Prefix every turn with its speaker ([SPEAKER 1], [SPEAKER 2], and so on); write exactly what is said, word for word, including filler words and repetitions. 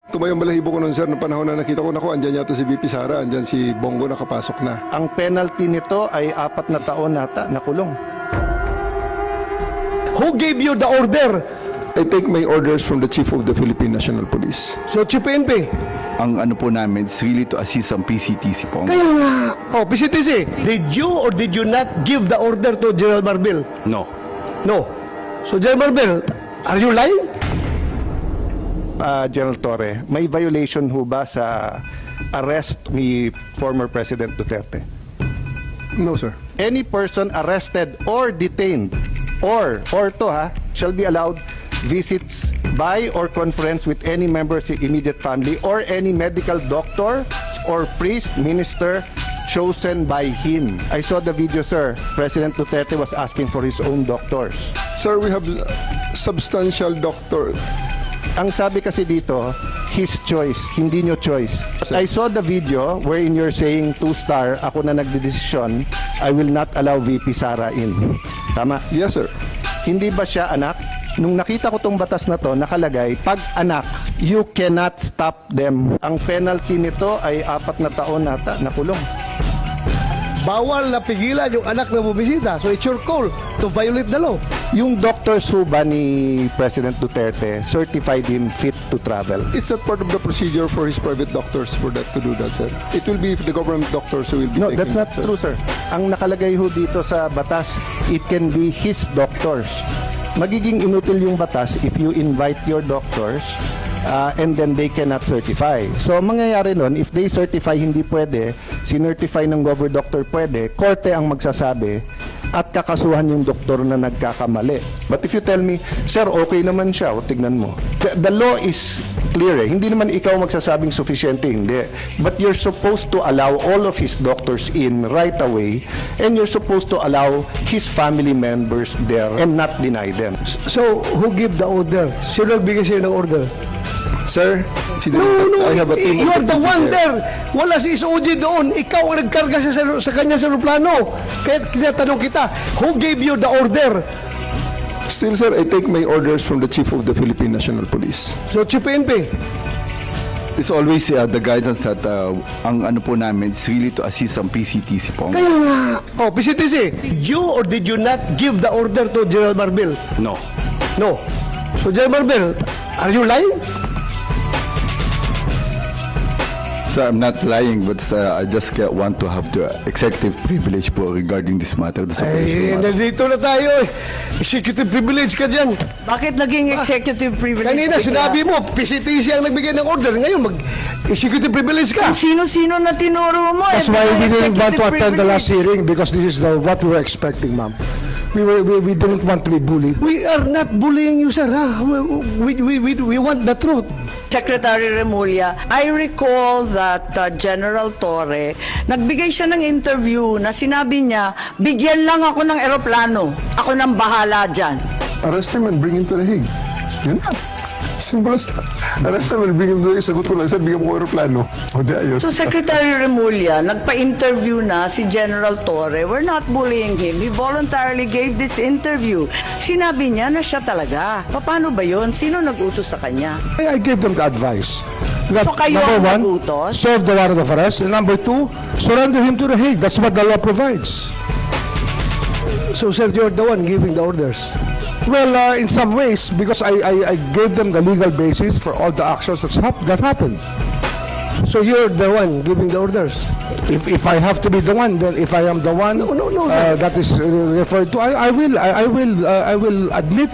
[SPEAKER 1] Tumayong balahibo ko nun, sir, noong panahon na nakita ko, naku, andyan yata si V P Sara, andyan si Bongo nakapasok na.
[SPEAKER 2] Ang penalty nito ay apat na taon nata na kulong.
[SPEAKER 3] Who gave you the order?
[SPEAKER 1] I take my orders from the Chief of the Philippine National Police.
[SPEAKER 3] So, Chief P N P.
[SPEAKER 4] Ang ano po namin is really to assist ang P C T C po.
[SPEAKER 3] Kaya nga. Oh, P C T C, did you or did you not give the order to General Marbil?
[SPEAKER 4] No.
[SPEAKER 3] No. So, General Marbil, are you lying?
[SPEAKER 2] Uh, General Torre, may violation ho ba sa arrest ni former President Duterte?
[SPEAKER 1] No, sir.
[SPEAKER 2] Any person arrested or detained or or to ha shall be allowed visits by or conference with any member of his immediate family or any medical doctor or priest, minister chosen by him. I saw the video, sir. President Duterte was asking for his own doctors.
[SPEAKER 1] Sir, we have substantial doctor.
[SPEAKER 2] Ang sabi kasi dito, his choice, hindi nyo choice. I saw the video wherein you're saying two-star, ako na nagdedesisyon, I will not allow V P Sara in. Tama?
[SPEAKER 1] Yes, sir.
[SPEAKER 2] Hindi ba siya anak? Nung nakita ko tong batas na to, nakalagay, pag anak, you cannot stop them. Ang penalty nito ay apat na taon nata na kulong.
[SPEAKER 3] Bawal na pigilan yung anak na bumisita. So, it's your call to violate the law.
[SPEAKER 2] Yung doctors ho ba ni President Duterte certified him fit to travel?
[SPEAKER 1] It's a part of the procedure for his private doctors for that to do that, sir. It will be the government doctors who will be
[SPEAKER 2] No,
[SPEAKER 1] taking
[SPEAKER 2] that's not
[SPEAKER 1] that, sir.
[SPEAKER 2] true, sir. Ang nakalagay ho dito sa batas, it can be his doctors. Magiging inutil yung batas if you invite your doctors uh, and then they cannot certify. So, ang mangyayari nun, if they certify hindi pwede, sinertify ng gover doctor pwede, korte ang magsasabi at kakasuhan yung doktor na nagkakamali. But if you tell me, sir, okay naman siya, o tignan mo. The, the law is clear eh. Hindi naman ikaw magsasabing sufficiente, hindi. But you're supposed to allow all of his doctors in right away and you're supposed to allow his family members there and not deny them.
[SPEAKER 3] So, who give the order? Sino nagbigay sa'yo ng order?
[SPEAKER 1] Sir, si
[SPEAKER 3] No, no,
[SPEAKER 1] I have a team
[SPEAKER 3] you're
[SPEAKER 1] of
[SPEAKER 3] the
[SPEAKER 1] deputy
[SPEAKER 3] one
[SPEAKER 1] there.
[SPEAKER 3] there. Wala si S O G doon. Ikaw ang nagkarga sa, sa kanya sa aeroplano. Kaya tinatanong kita, who gave you the order?
[SPEAKER 1] Still, sir, I take my orders from the Chief of the Philippine National Police.
[SPEAKER 3] So, Chief P N P.
[SPEAKER 4] It's always uh, the guidance that uh, ang ano po namin is really to assist ang P C T C po.
[SPEAKER 3] Kaya nga. Oh, P C T C, did you or did you not give the order to General Marbil?
[SPEAKER 4] No.
[SPEAKER 3] No. So, General Marbil, are you lying?
[SPEAKER 4] So I'm not lying, but uh, I just uh, want to have the executive privilege po regarding this matter. This
[SPEAKER 3] Eh,
[SPEAKER 4] operation matter.
[SPEAKER 3] nandito na tayo eh. Executive privilege ka dyan.
[SPEAKER 5] Bakit naging executive privilege?
[SPEAKER 3] Kanina
[SPEAKER 5] bigla?
[SPEAKER 3] sinabi mo, P C T C ang nagbigay ng order. Ngayon, mag-executive privilege ka.
[SPEAKER 5] Kung sino-sino na tinuro mo.
[SPEAKER 6] That's
[SPEAKER 5] eh,
[SPEAKER 6] why we
[SPEAKER 5] bigla
[SPEAKER 6] didn't want to
[SPEAKER 5] executive
[SPEAKER 6] attend the last
[SPEAKER 5] privilege.
[SPEAKER 6] hearing because this is the, what we were expecting, ma'am. We, were, we, we didn't want to be bullied.
[SPEAKER 3] We are not bullying you, sir. Ha? We, we, we, we want the truth.
[SPEAKER 5] Secretary Remulla, I recall that uh, General Torre, nagbigay siya ng interview na sinabi niya, bigyan lang ako ng eroplano. Ako nang bahala dyan.
[SPEAKER 1] Arrest him and bring him to the Hague. Yun na. Simple as that. Arrest him and bring him to the Hague. Sagot ko lang, sir, bigyan mo ko aeroplano. O di ayos.
[SPEAKER 5] So Secretary Remulla, nagpa-interview na si General Torre. We're not bullying him. He voluntarily gave this interview. Sinabi niya na siya talaga. Paano ba yun? Sino nag-utos sa kanya?
[SPEAKER 6] I, I gave them the advice. That,
[SPEAKER 5] So kayo
[SPEAKER 6] number
[SPEAKER 5] ang
[SPEAKER 6] one,
[SPEAKER 5] nagutos?
[SPEAKER 6] serve the warrant of arrest. And number two, surrender him to the Hague. That's what the law provides.
[SPEAKER 3] So, sir, you're the one giving the orders.
[SPEAKER 6] Well, uh, in some ways, because I, I, I gave them the legal basis for all the actions that's hap- that happened.
[SPEAKER 3] So, you're the one giving the orders.
[SPEAKER 6] If, if I have to be the one, then if I am the one
[SPEAKER 3] No, no, no,
[SPEAKER 6] uh,
[SPEAKER 3] sir.
[SPEAKER 6] that is uh, referred to, I, I will, I, I will, uh, I will admit